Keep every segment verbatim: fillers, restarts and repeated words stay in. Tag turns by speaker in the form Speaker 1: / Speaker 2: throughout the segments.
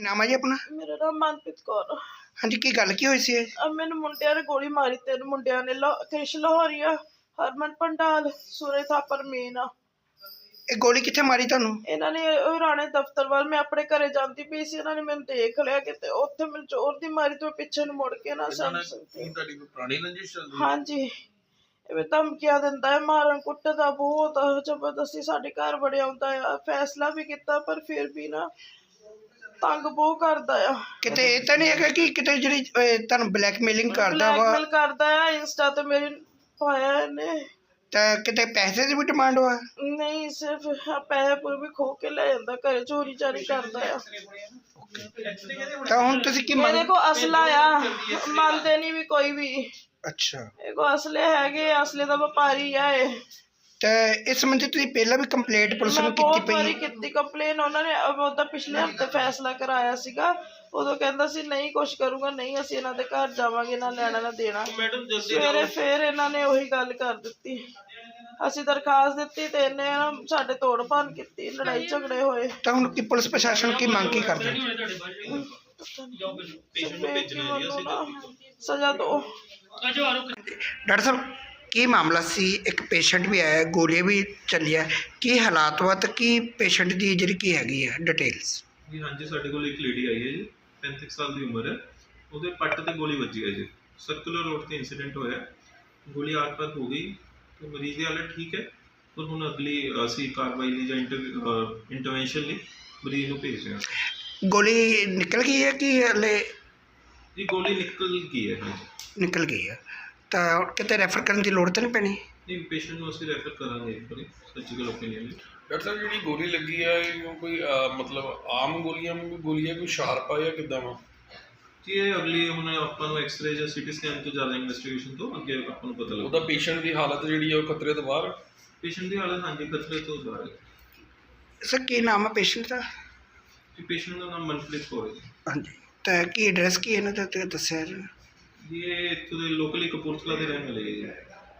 Speaker 1: ਨਾਮ ਹੈ ਜੀ ਆਪਣਾ?
Speaker 2: ਮੇਰਾ ਨਾਮ ਮਨਪ੍ਰੀਤ ਕੌਰ।
Speaker 1: ਹਾਂਜੀ, ਕੀ ਗੱਲ ਕੀ ਹੋਈ ਸੀ?
Speaker 2: ਅਹ ਮੈਨੂੰ ਮੁੰਡਿਆਂ ਨੇ ਗੋਲੀ ਮਾਰੀ, ਤਿੰਨ ਮੁੰਡਿਆਂ ਨੇ, ਲਾ ਕ੍ਰਿਸ਼ ਲਾਹੌਰੀਆ, ਹਰਮਨ ਪੰਡਾਲ, ਸੂਰੇ ਥਾਪਰ ਮੀਨਾ।
Speaker 1: ਇਹ ਗੋਲੀ ਕਿੱਥੇ ਮਾਰੀ ਤੁਹਾਨੂੰ?
Speaker 2: ਇਹਨਾਂ ਨੇ ਉਹ ਰਾਣੇ ਦਫ਼ਤਰ ਵੱਲ, ਮੈਂ ਆਪਣੇ ਘਰੇ ਜਾਂਦੀ ਪਈ ਸੀ, ਇਹਨਾਂ ਨੇ ਮੈਨੂੰ ਦੇਖ ਲਿਆ ਕਿਤੇ, ਉੱਥੇ ਮੈਨੂੰ ਜ਼ੋਰ ਦੀ ਮਾਰੀ ਤੇ ਪਿੱਛੇ ਨੂੰ ਮੁੜ ਕੇ ਨਾ ਸਮਝ ਸਕਦੀ।
Speaker 3: ਤੁਹਾਡੀ ਕੋਈ ਪੁਰਾਣੀ ਰੰਜਿਸ਼ ਚੱਲਦੀ?
Speaker 2: ਹਾਂਜੀ, ਐਵੇਂ ਧਮਕੀਆਂ ਦਿੰਦਾ ਹੈ, ਮਾਰਨ ਕੁੱਟਦਾ ਬਹੁਤ ਜ਼ਬਰਦਸਤੀ, ਸਾਡੇ ਘਰ ਵੜਿਆ ਆਉਂਦਾ ਆ। ਫੈਸਲਾ ਵੀ ਕੀਤਾ ਪਰ ਫਿਰ ਵੀ ਨਾ ਤੰਗ ਬਹੁਤ ਕਰਦਾ ਆ।
Speaker 1: ਕਿਤੇ ਇਹ ਤਾਂ ਨਹੀਂ ਹੈਗਾ ਕਿ ਕਿਤੇ ਜਿਹੜੀ ਅਹ, ਤੁਹਾਨੂੰ ਬਲੈਕਮੇਲਿੰਗ ਕਰਦਾ ਵਾ?
Speaker 2: ਬਲੈਕਮੇਲ ਕਰਦਾ ਆ, ਇੰਸਟਾ ਤੇ ਮੇਰੇ ਪਾਇਆ ਇਹਨੇ।
Speaker 1: ਤਾਂ ਕਿਤੇ ਪੈਸੇ ਦੀ ਵੀ ਡਿਮਾਂਡ ਹੋਆ?
Speaker 2: ਨਹੀਂ, ਸਿਰਫ ਪੈਸੇ ਪੂਰੇ ਵੀ ਖੋ ਕੇ ਲੈ ਜਾਂਦਾ, ਘਰੇ ਚੋਰੀ ਚਾਰੀ ਕਰਦਾ ਆ।
Speaker 1: ਤਾਂ ਹੁਣ ਤੁਸੀਂ ਕੀ
Speaker 2: ਮੇਰੇ
Speaker 1: ਮੰਗ?
Speaker 2: ਕੋ ਅਸਲਾ ਆ, ਮੰਨਦੇ ਨਹੀਂ ਵੀ ਕੋਈ ਵੀ।
Speaker 1: ਅੱਛਾ,
Speaker 2: ਇਹ ਕੋ ਅਸਲੇ ਹੈਗੇ, ਅਸਲੇ ਦਾ ਵਪਾਰੀ ਆ ਇਹ।
Speaker 1: ਤੇ ਇਸ ਸੰਬੰਧੀ ਤੁਸੀਂ ਪਹਿਲਾਂ ਵੀ ਕੰਪਲੇਂਟ ਪੁਲਿਸ
Speaker 2: ਮੈਂ
Speaker 1: ਨੂੰ ਕੀਤੀ
Speaker 2: ਬਹੁਤ
Speaker 1: ਪਈ
Speaker 2: ਵਾਰੀ
Speaker 1: ਹੈ?
Speaker 2: ਕੀਤੀ ਕੰਪਲੇਨ, ਉਹਨਾਂ ਨੇ ਉਹਦਾ ਪਿਛਲੇ ਹਫ਼ਤੇ ਫੈਸਲਾ ਕਰਾਇਆ ਸੀਗਾ। ਉਦੋਂ ਕਹਿੰਦਾ ਸੀ ਨਹੀਂ ਕੁਛ ਕਰੂੰਗਾ, ਨਹੀਂ ਅਸੀਂ ਇਹਨਾਂ ਦੇ ਘਰ ਜਾਵਾਂਗੇ, ਨਾ ਲੈਣਾ ਨਾ ਦੇਣਾ। ਸਵੇਰੇ ਫੇਰ ਇਹਨਾਂ ਨੇ ਉਹੀ ਗੱਲ ਕਰ ਦਿੱਤੀ। ਅਸੀਂ ਦਰਖਾਸਤ ਦਿੱਤੀ ਤੇ ਇਹਨੇ ਨਾ ਸਾਡੇ ਤੋੜ ਭੰਨ ਕੀਤੀ, ਲੜਾਈ ਝਗੜੇ ਹੋਏ।
Speaker 1: ਤਾਂ ਹੁਣ ਕੀ ਪੁਲਿਸ ਪ੍ਰਸ਼ਾਸਨ ਕੀ ਮੰਗ ਕੀ ਕਰਦਾ?
Speaker 2: ਸਜ਼ਾ ਦੋ।
Speaker 1: ਡਾਕਟਰ ਸਾਹਿਬ, ਕੀ ਮਾਮਲਾ ਸੀ? ਇੱਕ ਪੇਸ਼ੈਂਟ ਵੀ ਆਇਆ, ਗੋਲੀਆਂ ਵੀ ਚੱਲੀਆਂ, ਕੀ ਹਾਲਾਤ ਵਾ ਤੇ ਕੀ ਪੇਸ਼ੈਂਟ ਦੀ ਜਿਹੜੀ ਕੀ ਹੈਗੀ ਹੈ ਡਿਟੇਲਸ?
Speaker 3: ਜੀ ਹਾਂਜੀ, ਸਾਡੇ ਕੋਲ ਇੱਕ ਲੇਡੀ ਆਈ ਹੈ ਜੀ, ਪੈਂਤੀ ਸਾਲ ਦੀ ਉਮਰ ਹੈ। ਉਹਦੇ ਪੱਟ ਤੇ ਗੋਲੀ ਵੱਜੀ ਹੈ ਜੀ, ਸਰਕੂਲਰ ਰੋਡ ਤੇ ਇੰਸੀਡੈਂਟ ਹੋਇਆ, ਗੋਲੀ ਆਰ ਪਾਰ ਹੋ ਗਈ ਤੇ ਮਰੀਜ਼ ਦੀ ਹਾਲਤ ਠੀਕ ਹੈ। ਪਰ ਹੁਣ ਅਗਲੀ ਅਸੀਂ ਕਾਰਵਾਈ ਲਈ ਜਾਂ ਇੰਟਰਵੈਂਸ਼ਨ ਲਈ ਮਰੀਜ਼ ਨੂੰ ਭੇਜ ਰਹੇ ਹਾਂ।
Speaker 1: ਗੋਲੀ ਨਿਕਲ ਗਈ ਹੈ ਕਿ ਹਲੇ?
Speaker 3: ਜੀ ਗੋਲੀ ਨਿਕਲ ਗਈ ਹੈ। ਹਾਂਜੀ,
Speaker 1: ਨਿਕਲ ਗਈ ਹੈ। ਤਾਂ ਕਿਤੇ ਰੈਫਰ ਕਰਨ ਦੀ ਲੋੜ ਤਾਂ ਨਹੀਂ ਪੈਣੀ?
Speaker 3: ਨਹੀਂ, ਪੇਸ਼ੈਂਟ ਨੂੰ ਅਸੀਂ ਰੈਫਰ ਕਰਾਂਗੇ ਇੱਕ ਵਾਰੀ ਸਰਜੀਕਲ ਓਪੀਨੀਅਨ ਲਈ।
Speaker 4: ਡਾਕਟਰ ਸਾਹਿਬ, ਜਿਹੜੀ ਗੋਲੀ ਲੱਗੀ ਹੈ ਇਹ ਕੋਈ ਅਹ, ਮਤਲਬ ਆਮ ਗੋਲੀਆਂ ਵਾਂਗੂ ਗੋਲੀ ਹੈ, ਕੋਈ ਸ਼ਾਰਪ ਆ ਜਾਂ ਕਿੱਦਾਂ ਵਾ?
Speaker 3: ਜੀ ਇਹ ਅਗਲੀ ਹੁਣ ਆਪਾਂ ਨੂੰ ਐਕਸਰੇ ਜਾਂ ਸੀਟੀ ਸਕੈਨ ਤੋਂ ਜ਼ਿਆਦਾ ਇਨਵੈਸਟੀਗੇਸ਼ਨ ਤੋਂ ਅੱਗੇ ਆਪਾਂ ਨੂੰ ਪਤਾ ਲੱਗਦਾ।
Speaker 4: ਉਹਦਾ ਪੇਸ਼ੈਂਟ ਦੀ ਹਾਲਤ ਜਿਹੜੀ ਹੈ ਉਹ ਖਤਰੇ ਤੋਂ ਬਾਹਰ?
Speaker 3: ਪੇਸ਼ੈਂਟ ਦੀ ਹਾਲਤ ਹਾਂਜੀ ਖਤਰੇ ਤੋਂ ਬਾਹਰ ਹੈ।
Speaker 1: ਸਰ, ਕੀ ਨਾਮ ਹੈ ਪੇਸ਼ੈਂਟ ਦਾ?
Speaker 3: ਜੀ ਪੇਸ਼ੈਂਟ ਦਾ ਨਾਮ ਮਨਪ੍ਰੀਤ ਕੌਰ ਹੈ ਜੀ।
Speaker 1: ਹਾਂਜੀ, ਤਾਂ ਕੀ ਐਡਰੈਸ ਕੀ ਇਹਨਾਂ ਦਾ ਤੇ ਦੱਸਿਆ ਜੀ?
Speaker 3: ਜੀ ਇਹ ਇੱਥੋਂ ਦੇ ਲੋਕਲੀ ਕਪੂਰਥਲਾ ਦੇ ਰਹਿਣ ਵਾਲੇ ਹੈ ਜੀ।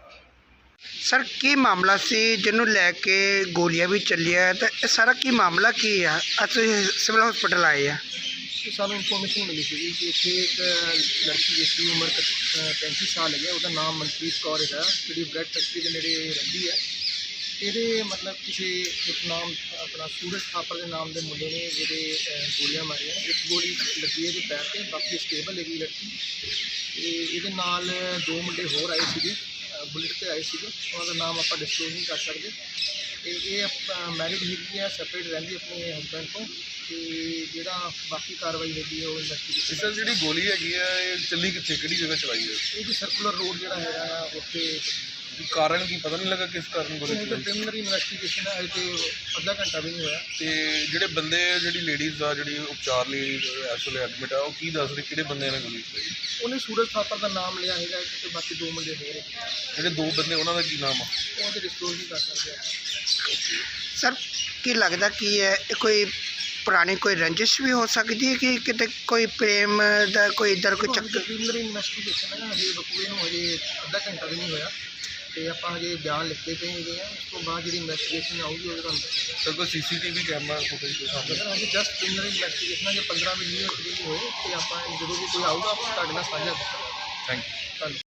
Speaker 1: ਸਰ, ਕੀ ਮਾਮਲਾ ਸੀ ਜਿਹਨੂੰ ਲੈ ਕੇ ਗੋਲੀਆਂ ਵੀ ਚੱਲੀਆਂ, ਤਾਂ ਇਹ ਸਾਰਾ ਕੀ ਮਾਮਲਾ ਕੀ ਆ? ਅਸੀਂ ਸਿਵਲ ਹਸਪੀਟਲ ਆਏ ਆ।
Speaker 5: ਸਾਨੂੰ ਇਨਫੋਰਮੇਸ਼ਨ ਮਿਲੀ ਸੀ ਕਿ ਇੱਥੇ ਇੱਕ ਲੜਕੀ ਜਿਸ ਦੀ ਉਮਰ ਪੈਂਤੀ ਸਾਲ ਹੈਗੀ, ਉਹਦਾ ਨਾਮ ਮਨਪ੍ਰੀਤ ਕੌਰ ਹੈਗਾ, ਜਿਹੜੀ ਬ੍ਰੈਡ ਫੈਕਟਰੀ ਦੇ ਨੇੜੇ ਰਹਿੰਦੀ ਹੈ। ਇਹਦੇ ਮਤਲਬ ਕਿਸੇ ਇੱਕ ਨਾਮ ਆਪਣਾ ਸੂਰਜ ਥਾਪਰ ਦੇ ਨਾਮ ਦੇ ਮੁੰਡੇ ਨੇ ਜਿਹੜੇ ਗੋਲੀਆਂ ਮਾਰੀਆਂ। ਇੱਕ ਗੋਲੀ ਲੱਗੀ ਇਹਦੇ ਪੈਰ 'ਤੇ, ਬਾਕੀ ਸਟੇਬਲ ਹੈਗੀ ਲੜਕੀ। ਅਤੇ ਇਹਦੇ ਨਾਲ ਦੋ ਮੁੰਡੇ ਹੋਰ ਆਏ ਸੀਗੇ, ਬੁਲਟ 'ਤੇ ਆਏ ਸੀਗੇ, ਉਹਨਾਂ ਦਾ ਨਾਮ ਆਪਾਂ ਡਿਸਕਲੋਜ਼ ਨਹੀਂ ਕਰ ਸਕਦੇ। ਅਤੇ ਇਹ ਮੈਰਿਡ ਹੈਗੀ ਆ, ਸੈਪਰੇਟ ਰਹਿੰਦੀ ਆਪਣੇ ਹਸਬੈਂਡ ਤੋਂ। ਅਤੇ ਜਿਹੜਾ ਬਾਕੀ ਕਾਰਵਾਈ ਹੈਗੀ ਹੈ ਉਹ ਇਨਵੈਸਟੀਗੇਸ਼ਨ।
Speaker 4: ਸਰ, ਜਿਹੜੀ ਗੋਲੀ ਹੈਗੀ ਹੈ ਇਹ ਚੱਲੀ ਕਿੱਥੇ, ਕਿਹੜੀ ਜਗ੍ਹਾ ਚਲਾਈ ਹੈ?
Speaker 5: ਇਹ ਜੀ ਸਰਕੂਲਰ ਰੋਡ ਜਿਹੜਾ ਹੈਗਾ ਆ ਉੱਥੇ।
Speaker 4: ਕਾਰਨ ਕੀ ਪਤਾ ਨਹੀਂ ਲੱਗਾ ਕਿਸ ਕਾਰਨ ਗੋਲੀ
Speaker 5: ਇਹ
Speaker 4: ਚੱਲੀ?
Speaker 5: ਪ੍ਰੀਲਿਮਿਨਰੀ ਇਨਵੈਸਟੀਗੇਸ਼ਨ ਹੈ, ਤੇ ਅੱਧਾ ਘੰਟਾ ਵੀ ਨਹੀਂ ਹੋਇਆ।
Speaker 4: ਤੇ ਜਿਹੜੇ ਬੰਦੇ, ਜਿਹੜੀ ਲੇਡੀਜ਼ ਆ ਜਿਹੜੀ ਉਪਚਾਰ ਲਈ ਇਸ ਵੇਲੇ ਐਡਮਿਟ ਆ, ਉਹ ਕੀ ਦੱਸ ਰਹੇ ਕਿਹੜੇ ਬੰਦਿਆਂ ਨੇ ਗੋਲੀ ਚਲਾਈ?
Speaker 5: ਉਹਨੇ ਸੂਰਜ ਥਾਪਰ ਦਾ ਨਾਮ ਲਿਆ ਹੈਗਾ, ਤੇ ਬਾਕੀ ਦੋ ਮੁੰਡੇ ਹੋਰ ਹੈ।
Speaker 4: ਜਿਹੜੇ ਦੋ ਬੰਦੇ ਉਹਨਾਂ ਦਾ ਕੀ ਨਾਮ ਆ?
Speaker 5: ਉਹ ਤੇ ਡਿਸਕਲੋਜ਼ ਨਹੀਂ ਕਰ ਸਕਦੇ।
Speaker 1: ਸਰ, ਕੀ ਲੱਗਦਾ ਕੀ ਹੈ, ਇਹ ਕੋਈ ਪੁਰਾਣੀ ਕੋਈ ਰੰਜਿਸ਼ ਵੀ ਹੋ ਸਕਦੀ ਹੈ ਕਿ ਕਿਤੇ ਕੋਈ ਪ੍ਰੇਮ ਦਾ ਕੋਈ ਇੱਧਰ ਕੋਈ ਚੱਕਰ?
Speaker 5: ਪ੍ਰੀਲਿਮਿਨਰੀ ਇਨਵੈਸਟੀਗੇਸ਼ਨ ਹੈ ਨਾ, ਹਜੇ ਬਕੂਏ ਨੂੰ ਹਜੇ ਅੱਧਾ ਘੰਟਾ ਵੀ ਨਹੀਂ ਹੋਇਆ, ਤੇ ਆਪਾਂ ਹਜੇ ਬਿਆਨ ਲਿਖਦੇ ਪਏ ਹੈਗੇ ਆ। ਉਸ ਤੋਂ ਬਾਅਦ ਜਿਹੜੀ ਇਨਵੈਸਟੀਗੇਸ਼ਨ ਆਊਗੀ ਉਹਦੇ ਤੁਹਾਨੂੰ
Speaker 4: ਸਰ, ਕੋਈ C C T V camera footage ਕੋਈ ਸਾਹਮਣੇ?
Speaker 5: ਸਰ ਹਜੇ ਜਸਟ ਪ੍ਰੀਲਿਮਿਨਰੀ ਇਨਵੈਸਟੀਗੇਸ਼ਨ ਹੈ, ਜੇ ਪੰਦਰਾਂ ਵੀਹ ਮਿੰਟ ਵੀ ਹੋਏ ਤੇ ਆਪਾਂ ਜਦੋਂ ਵੀ ਕੋਈ ਆਊਗਾ ਆਪਾਂ ਤੁਹਾਡੇ ਨਾਲ ਸਾਂਝਾ ਕਰਾਂਗੇ।
Speaker 4: Thank you.
Speaker 5: ਧੰਨਵਾਦ।